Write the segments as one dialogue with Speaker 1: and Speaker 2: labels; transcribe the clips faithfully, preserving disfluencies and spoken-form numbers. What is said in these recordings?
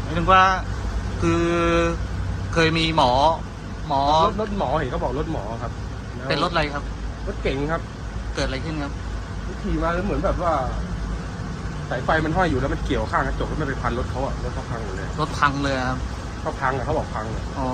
Speaker 1: ถึงว่าคือเคยมีหมอหมอ
Speaker 2: รถรถหมอเห็นเขาบอกรถหมอครับ
Speaker 1: เป็นรถอะไรครับ
Speaker 2: รถเก๋งครับ
Speaker 1: เกิดอะไรขึ้นครับ
Speaker 2: ขี่มาแล้วเหมือนแบบว่าสายไฟมันห้อยอยู่แล้วมันเกี่ยวข้างกระจกแล้วมันไปพันรถเขาอะรถเขาพังหมดเลย
Speaker 1: รถพังเลยครับ
Speaker 2: เขาพังอะเขาบอกพังเลย
Speaker 1: อ๋อ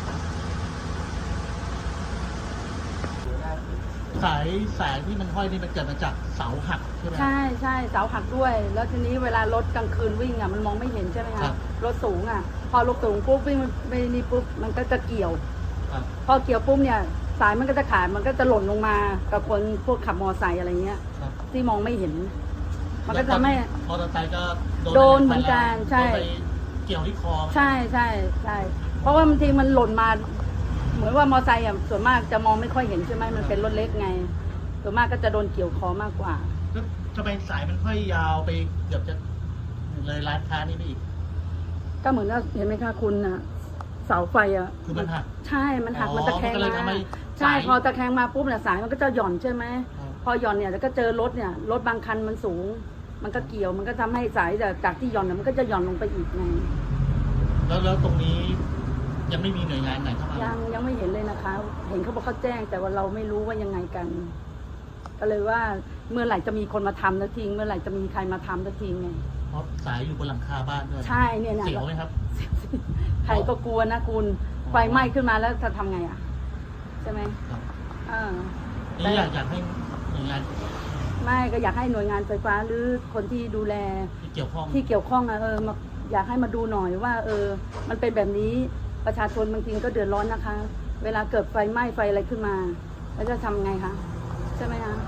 Speaker 1: สายสายที่มันห้อยนี่มันเกิดมาจากเสาหักใช่ไหม
Speaker 3: ใช่ใช่เสาหักด้วยแล้วทีนี้เวลารถกลางคืนวิ่งอ่ะมันมองไม่เห็นใช่ไหมคะรถสูงอ่ะพอรถสูงปุ๊บวิ่งไปนี่ปุ๊บมันก็จะเกี่ยวพอเกี่ยวปุ๊บเนี่ยสายมันก็จะขาดมันก็จะหล่นลงมากับคนพวกขับมอเตอร์ไซค์อะไรเงี้ยที่มองไม่เห็นมันก็ทำให้
Speaker 1: มอเตอร์ไซค์ก็
Speaker 3: โดนเหมือนกันใช่
Speaker 1: เกี่ยวที่คอ
Speaker 3: ใช่ใช่ใช่เพราะว่าบางทีมันหล่นมาเหมือนว่ามอเตอร์ไซค์อ่ะส่วนมากจะมองไม่ค่อยเห็นใช่ไหมมันเป็นรถเล็กไงส่วนมากก็จะโดนเกี่ยวคอมากกว่า
Speaker 1: ทำไมสายมันค่อยยาวไปเกือบจะเลยร้านค้านี่ไปอีก
Speaker 3: ก็เหมือนว่าเห็นไหมคะคุณอ่ะเสาไฟอ่ะ
Speaker 1: คือมันหัก
Speaker 3: ใช่มันหักมันตะแคงมาใช่พอตะแคงมาปุ๊บเนี่ยสายมันก็จะหย่อนใช่ไหมพอหย่อนเนี่ยแล้วก็เจอรถเนี่ยรถบางคันมันสูงมันก็เกี่ยวมันก็ทำให้สายจากที่หย่อนมันก็จะหย่อนลงไปอีกไง
Speaker 1: แล้วแล้วตรงนี้ยังไม่มีหน่วยงานไหนเข้ามา
Speaker 3: ยังยังไม่เห็นเลยนะคะเห็นเขาบอกเขาแจ้งแต่ว่าเราไม่รู้ว่ายังไงกันก็เลยว่าเมื่อไหร่จะมีคนมาทำสักทีเมื่อไหร่จะมีใครมาทำสักทีไง
Speaker 1: เพราะสายอยู่บนหลังคาบ้านด้วย
Speaker 3: ใช่เนี่ยนะ
Speaker 1: เสียวไหมครับ
Speaker 3: ใครก็กลัวนะคุณไฟไหม้ขึ้นมาแล้วจะทำไงอ่ะใช่ไหมอ่า
Speaker 1: นี่อยากอยากให้หน่วยงาน
Speaker 3: ไม่ก็อยากให้หน่วยงานไฟฟ้าหรือคนที่ดูแล
Speaker 1: ที่เกี่ยวข้อง
Speaker 3: ที่เกี่ยวข้องอะเออมาอยากให้มาดูหน่อยว่า เออ มันเป็นแบบนี้ประชาชนบางทีก็เดือดร้อนนะคะ เวลาเกิดไฟไหม้ไฟอะไรขึ้นมาแล้วจะทำไงคะใช่ไหมคะ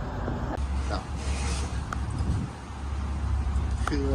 Speaker 4: คือ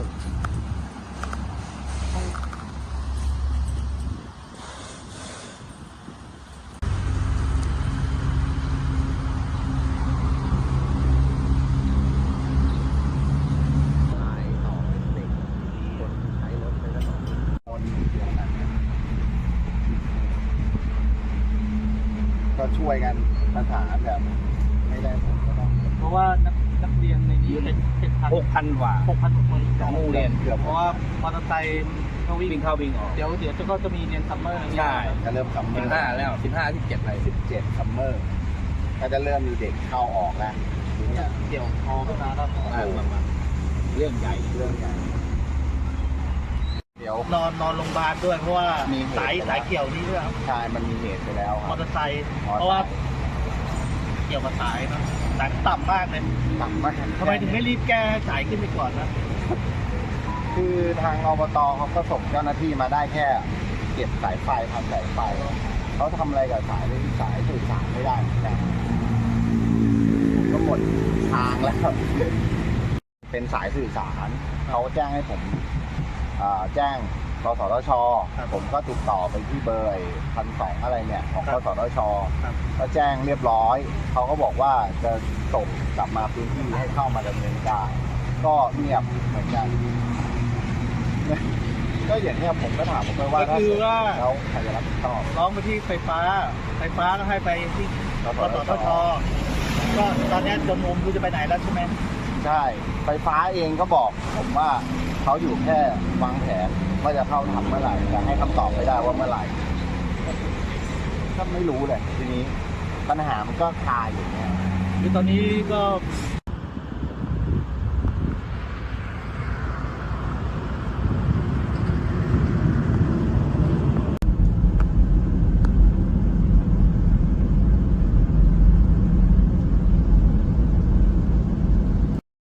Speaker 4: ก็ช่วยกันปัญหาแบบไม่ได้ผลก็ต้อง
Speaker 1: เพราะว่านักนักเรียนในนี้เป็นเป็นพัน
Speaker 4: หกพันกว่า
Speaker 1: หกพันกว่าคน
Speaker 4: ของโรงเรียนเกือบ
Speaker 1: เพราะว่ามอเตอร์ไซค์เขาวิ่ง
Speaker 4: เข้าวิ่งออก
Speaker 1: เดี๋ยวเดี๋ยวจะก็จะมีเรียนซัมเมอร์
Speaker 4: ใช่จะเริ่มซัมเมอร์
Speaker 1: สิบห้าแล้วสิบห้าสิบเจ็ดอะไร
Speaker 4: สิบเจ็ดซัมเมอร์ก็จะเริ่มมีเด็กเข้าออกแล้วทีนี้
Speaker 1: เกี่ยวคอขึ้นมาแล้ว
Speaker 4: เรื่องใหญ่เรื่องใหญ่เดี๋ยวน
Speaker 1: อนนอนโรงพยาบาลด้วยเพราะว่ามีสายสายเกี่ยวนี่ด้วยครับ
Speaker 4: ใช่มันมีเหตุไปแล้ว
Speaker 1: มอเตอร์ไซค์เพราะว่าเกี่ยวกับสายนะสายต่ำมากเลย
Speaker 4: ต่ำมาก
Speaker 1: ทำไมถึงไม่รีบแก้สายขึ้นไปก่อนนะ
Speaker 4: คือทางอบตเขาก็ส่งเจ้าหน้าที่มาได้แค่เก็บสายไฟทำสายไฟเขาทำอะไรกับสายที่สายสื่อสารไม่ได้แต่ก็หมดทางแล้วเป็นสายสื่อสารเขาแจ้งให้ผมแจ้งกสทช.ผมก็ติดต่อไปที่เบอร์พันสองอะไรเนี่ยของกสทช.ก็แจ้งเรียบร้อยเขาก็บอกว่าจะส่งกลับมาพื้นที่ให้เข้ามาดำเนินการก็เงียบเหมือนกันก็อย่างนี้ผมก็ถามผมไปว่า
Speaker 1: ก็คือว่า
Speaker 4: แล้วใครจะรับผิดชอบ
Speaker 1: ร้องไปที่ไฟฟ้าไฟฟ้าก็ให้ไปที่กสทช.ก็ตอนนี้จนมุมคือจะไปไหนแล้วใช่ไหม
Speaker 4: ใช่ไฟฟ้าเองก็บอกผมว่าเขาอยู่แค่วางแผนว่าจะเข้าทำเมื่อไหร่แต่ให้คำตอบไม่ได้ว่าเมื่อไหร่ก็ไม่รู้เลยทีนี้ปัญหามันก็คาอยู่เนี่ย
Speaker 1: คือตอนนี้ก็